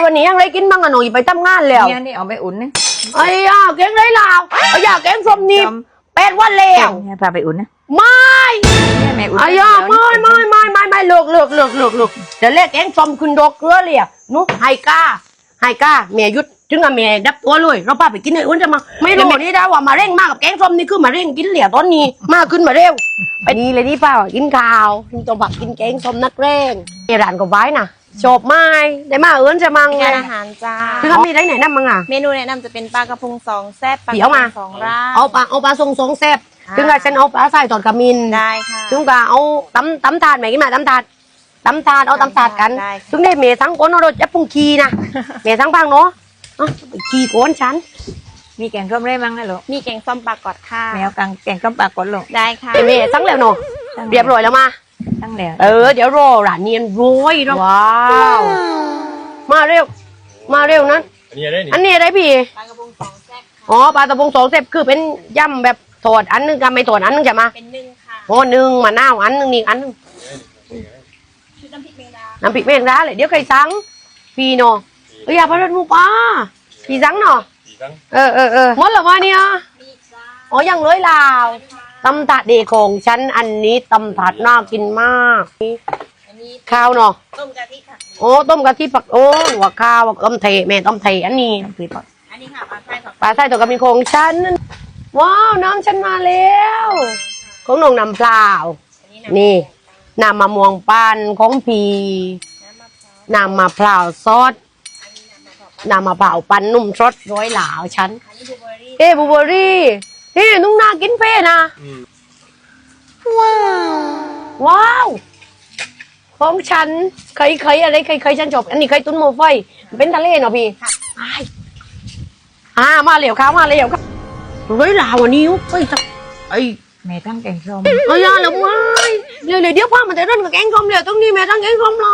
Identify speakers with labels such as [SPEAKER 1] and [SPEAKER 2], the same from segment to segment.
[SPEAKER 1] วันนี้ยังไรกินบ้างอะหนูไปทำงานแล้ว
[SPEAKER 2] เนี่ยนี่เอาไปอุ่นนะ
[SPEAKER 1] ไอ้ยาแกงไรลาวไอ้ยาแกงส้มนี่8 วันแล้ว
[SPEAKER 2] เนี่ยพาไปอุ่นนะ
[SPEAKER 1] ไม่
[SPEAKER 2] เนี่ยแม่อุ่น
[SPEAKER 1] ไอ้ยาไม่เลิกเดี๋ยวเรียกแกงส้มคุณดอกเกลือเลยนุ๊กไฮก้าเมียยุดถึงกับเมียดับตัวเลยเราป้าไปกินไอ้อ้วนจะมาไม่รู้นี่ได้ว่ามาเร่งมากกับแกงส้มนี่คือมาเร่งกินเหลี่ยตอนนี้มากขึ้นมาเร็วไปนี่เลยนี่ป้ากินข้าวกินตัวผักกินแกงส้มนักเร่งเอร้านก็ไว้น่ะจบไม่ได้มาเอิ้นจะมังไง
[SPEAKER 3] งานอาหารจ้า
[SPEAKER 1] คือมีได้ไหนนั่นมั้งอ่ะ
[SPEAKER 3] เมนูแนะนำจะเป็นปลากระพง2แซ่บปลา
[SPEAKER 1] เดี๋ยวมา
[SPEAKER 3] 2ร่าง
[SPEAKER 1] เอาปลาทรงแซ่บถึงกับฉันเอาปลาใส่ตอนกระมิน
[SPEAKER 3] ได้ค่ะ
[SPEAKER 1] ถึงกับเอาตำถาดไหมกินมาตำถาดเอาตำถาดกัน
[SPEAKER 3] ได้
[SPEAKER 1] ถึงได้เมทั้งคนเอารถจับพุ่งคีนะเมทั้งพังเนาะขี่โกนฉัน
[SPEAKER 2] มีแกงส้มได้มั้งนะลูก
[SPEAKER 3] มีแกงส้มปลากอดค่ะ
[SPEAKER 2] แมวแกงส้มปลากดลูก
[SPEAKER 3] ได้ค่ะ
[SPEAKER 1] เมทั้งแล้วเนาะเรียบร้อยแล้วมา
[SPEAKER 2] ตั้งแล้ว
[SPEAKER 1] เดี๋ยวรอร้านเนียนร้อยแล้วว้าวมาเร็วนั้น
[SPEAKER 4] อันนี้อะไรนี่
[SPEAKER 1] อันนี้อะไรพี่
[SPEAKER 3] ปลากระพง2แซ่บค่ะ
[SPEAKER 1] อ๋อปลาตะพง2แซ่บคือเป็นย่ำแบบถอดอันนึงกับไม่ถอดอันนึงจะมา
[SPEAKER 3] เป็นนึ่งค่ะ
[SPEAKER 1] โอ้1มะนาวอันนึงนี่อันนึง
[SPEAKER 3] ชุดน้ำพริกแมงดา
[SPEAKER 1] น้ำพริกแมงดาเลยเดี๋ยวใครสั่งพี่เนาะอย่าพลาดหมูปลาพี่สั่งเนาะ
[SPEAKER 4] กี่ครั้ง
[SPEAKER 1] หมดแล้ววะเนี่ย
[SPEAKER 3] มีอีกจ้า
[SPEAKER 1] อ๋อยังเลยลาวตำถาดเดของฉันอันนี้ตำถาดน่ากินมาก
[SPEAKER 3] อันนี้
[SPEAKER 1] ข้าวเนาะ
[SPEAKER 3] ต้มกะทิค่ะ
[SPEAKER 1] โอ้ต้มกะทิผักโอ้หัวข้าวต้มเทแม่ต้มเทอันนี้คือ
[SPEAKER 3] อันนี้ค่ะปลาไส้ผัก
[SPEAKER 1] ปลาไส้ตัวกระมีของฉันว้าวน้ำฉันมาแล้วของนงน้ำเปล่า
[SPEAKER 3] อันนี้
[SPEAKER 1] นี่น้ำมะม่วงปั้นของพีน้ำมะพร้าวซอสน้ำมะพร้าวปั้นนุ่มสดร้อยหลาวฉัน
[SPEAKER 3] อันนี้บลูเบอร์รี่
[SPEAKER 1] บลูเบอร์รี่นุ่งน่ากินเฟ่นะว้าวของฉันเคยอะไรเคยฉันจบอันนี้เคยตุ้นโมไฟเป็นทะเลเนาะพี่มาเหลวข้าวมาเหลวครับเฮ้ยลาวอันนี้เฮ้ยไอ้
[SPEAKER 2] แม่ตั้งแกงส้ม
[SPEAKER 1] ยาแล้วไม่เดี๋ยวพ่อมันจะร่นกับแกงส้มเดี๋ยวต้องนี่แม่ตั้งแกงส้มร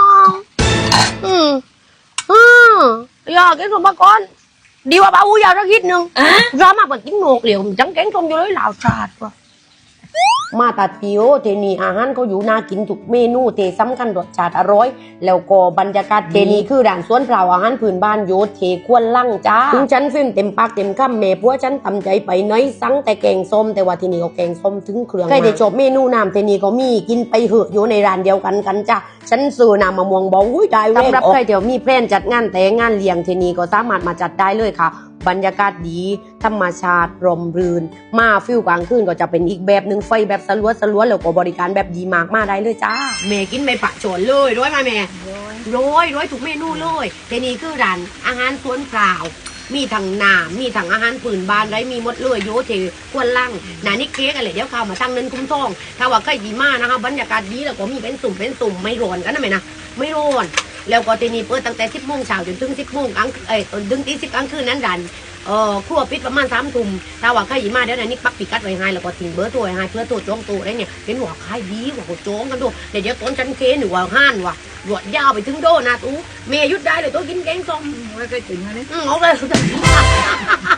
[SPEAKER 1] อยาแกงส้มมาก่อนดีว่าป้าอูยาวสักนิดนึงร้ามาเปิดกินโหนกเหลวจังแกงส้มอยู่เลยลาวชาดว่ะมาตาเตียวเทนีอาหารเขาอยู่น่ากินทุกเมนูเทสำคัญรสชาติอร่อยแล้วก็บรรยากาศเทนีคือด่านสวนเปล่าอาหารพื้นบ้านโยเทควนลั่งจ้าถึงฉันฟิล์มเต็มปากเต็มคำแม่พัวฉันทำใจไปน้อยสั่งแต่แกงส้มแต่ว่าที่นี่เขาแกงส้มถึงเครื่องใครได้จบเมนูน้ำเทนีเขามีกินไปเหอะอยู่ในร้านเดียวกันจ้าฉันซื้อน้ำมะม่วงบอกอุ้ยได้เว้ยสำหรับใครเดี๋ยวมีแพลนจัดงานแต่งานเลี้ยงเทนีก็สามารถมาจัดได้เลยค่ะบรรยากาศดีธรรมชาติร่มรื่นมาฟิลกลางคืนก็จะเป็นอีกแบบหนึ่งไฟแบบสลัวแล้วก็บริการแบบดีมากมาได้เลยจ้าแม่กินไม่ปะโฉนเลยร้อยมาแม่ร้อยถูกเมนูเลยทีนี้คือร้านอาหารสวนเปล่ามีทั้งน้ำมีทั้งอาหารปืนบานไรมีหมดเลยโยเทควนล่างนานิเค้กอะไรเดี๋ยวเข้ามาตั้งเนินคุ้มทองถ้าว่าใครดีมากนะคะบรรยากาศดีแล้วก็มีเป็นสุ่มไม่ร้อนกันนะแม่นะไม่ร้อนแล้วก็ทีนี้เปิดตั้งแต่10 โมงเช้าจนถึง10 โมงกลางถึงตี 10 กลางคืนนั้นดันครัวปิดประมาณ3 ทุ่มถ้าว่าใครมาเดี๋ยวนี้ปักปิกัดไว้ให้แล้วก็ทิ้งเบอร์ตัวไว้ให้เพื่อตัวจองตัวได้เนี่ยเป็นหัวขายดีหัวโจงกันดูเดี๋ยวต้นฉันเค้นหรือว่าห้านว่ะหลวดยาวไปถึงโดนะตู้เมย์ยุดได้เลยตัวกินแกงส้ม
[SPEAKER 2] ไม่เคยถึงเลย
[SPEAKER 1] เอาเลย